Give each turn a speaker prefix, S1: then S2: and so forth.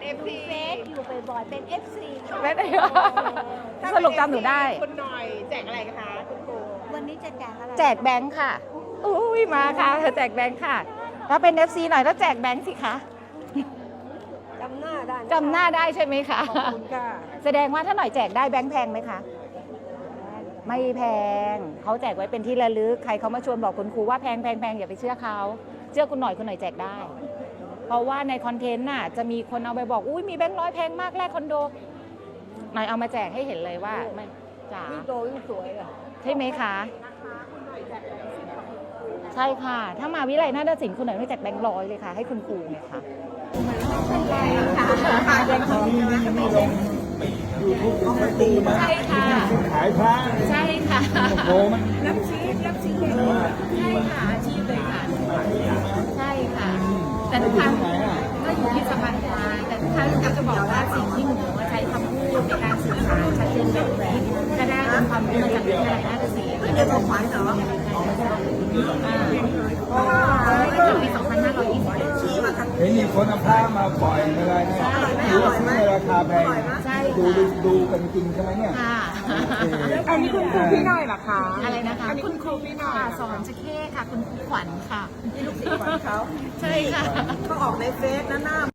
S1: FC
S2: เฟซอยู่บ่อยๆเป็น FC
S3: ไม่ได้สรุปจำหนูได้
S1: คุณหน่อยแจกอะไรคะคุณครู
S2: วันนี้จะแจกอะไร
S3: แจกแบงค์ค่ะอุ้ยมาค่ะเธอแจกแบงค์ค่ะถ้าเป็น FC หน่อยแล้วแจกแบงค์สิคะ
S2: จำหน้าได้
S3: จำหน้าได้ใช่ไหมคะ
S2: ขอบคุณค่ะ
S3: แสดงว่าถ้าหน่อยแจกได้แบงค์แพงไหมคะ ไม่แพงเขาแจกไว้เป็นที่ระลึกใครเขามาชวนบอกคุณครูว่าแพงแพงแพงอย่าไปเชื่อเขาเชื่อคุณหน่อยแจกได้ เพราะว่าในคอนเทนต์น่ะจะมีคนเอาไปบอกอุ้ยมีแบงค์ร้อยแพงมากแลกคอนโดหน่อยเอามาแจกให้เห็นเลยว่าไม่จ๋า
S2: ยิ่งโตยิ่งสวยอ่ะ
S3: ใช่ไหมคะ ใช่ค่ะ ถ้ามาวิไลนาฏศิลป์คุณหน่อยไม่แจกแบงค์ร้อยเลยค่ะให้คุณครูไงคะ
S4: ยูทูบของตีมา
S3: ใช่ค่ะ
S4: ขายพระ
S3: ใช่ค่ะ
S4: โอ้มัน
S2: รับซีรับซี
S3: ใช่ค่ะอาชีพเลยค่ะใช่ค่ะ แต่ทุกครั้งก็อยู่ที่สะพานควายแต่ทุกครั้งก็จะบอกว่าสิ่งที่หนูใช้คำพูดในการสื่อสารชัดเจนแบบนี้ก็ได้เป็นความรู้มาจากวิทยาลัยนาฏศิลป์
S2: เดี๋ยวบอกขวัญเหรอ
S3: จากปี 2521
S4: เห็นมีคนเอาผ้ามาปล่อยอะไรเนี่ยรู้ว่าซื้อในราคาแพง
S3: ใช่
S4: ดูกันจริงใช่ไหมเนี่ย
S3: ค่ะ
S1: อันนี้คุณครูพี่หน่อยเหรอคะ
S3: อะไรนะคะ
S1: อันนี้คุณครูพี่หน่อย
S3: ค่ะสอนจะเข้ค่ะ คุณครูขวัญค่ะ
S1: นี่ลูกศิษย์ของเขา
S3: ใช่ค่ะ
S1: ก็ออกในเฟซนะหน้า